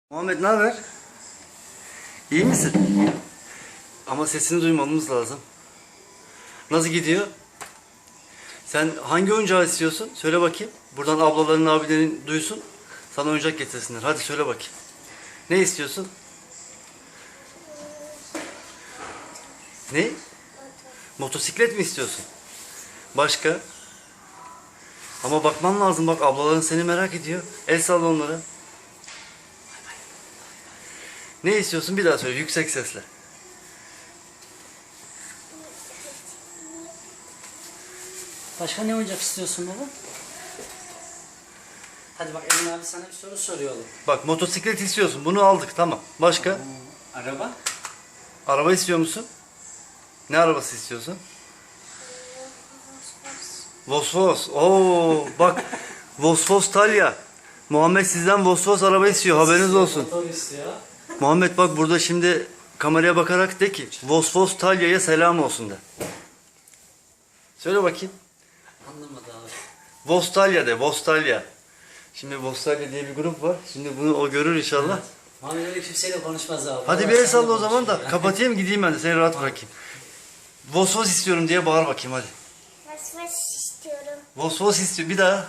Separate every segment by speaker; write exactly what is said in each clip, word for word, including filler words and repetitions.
Speaker 1: Muhammed ne haber? İyi misin? Ama sesini duymamız lazım. Nasıl gidiyor? Sen hangi oyuncağı istiyorsun? Söyle bakayım. Buradan ablaların, abilerin duysun. Sana oyuncak getirsinler. Hadi söyle bakayım. Ne istiyorsun? Ne? Motosiklet mi istiyorsun? Başka? Ama bakman lazım, bak ablaların seni merak ediyor. El salla onlara. Ne istiyorsun? Bir daha söyle yüksek sesle.
Speaker 2: Başka ne oyuncak istiyorsun baba? Hadi bak Emin abi sana bir soru soruyor oğlum.
Speaker 1: Bak motosiklet istiyorsun. Bunu aldık, tamam. Başka?
Speaker 2: Hmm, araba?
Speaker 1: Araba istiyor musun? Ne arabası istiyorsun? Vosvos. Oo bak. Vosvos Talya. Muhammed sizden Vosvos araba istiyor. Haberiniz olsun.
Speaker 2: Motor istiyor.
Speaker 1: Muhammed bak burada şimdi kameraya bakarak de ki Vosvos Talya'ya selam olsun de. Söyle bakayım.
Speaker 2: Anlamadı abi.
Speaker 1: Vostalya de. Vostalya. Şimdi Vostalya diye bir grup var. Şimdi bunu o görür inşallah.
Speaker 2: Evet. Muhammed öyle kimseyle konuşmaz abi.
Speaker 1: Hadi
Speaker 2: Baba
Speaker 1: bir el
Speaker 2: seninle
Speaker 1: salla o zaman da
Speaker 2: konuşuyor.
Speaker 1: kapatayım gideyim ben de seni rahat bırakayım. Vosvos istiyorum diye bağır bakayım hadi.
Speaker 3: Vasfas istiyorum.
Speaker 1: Vosvos istiyor bir daha.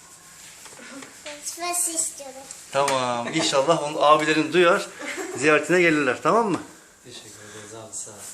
Speaker 3: Vasfas istiyorum.
Speaker 1: Tamam inşallah onun abilerin duyar ziyaretine gelirler, tamam mı?
Speaker 2: Teşekkür ederiz abi, sağ ol.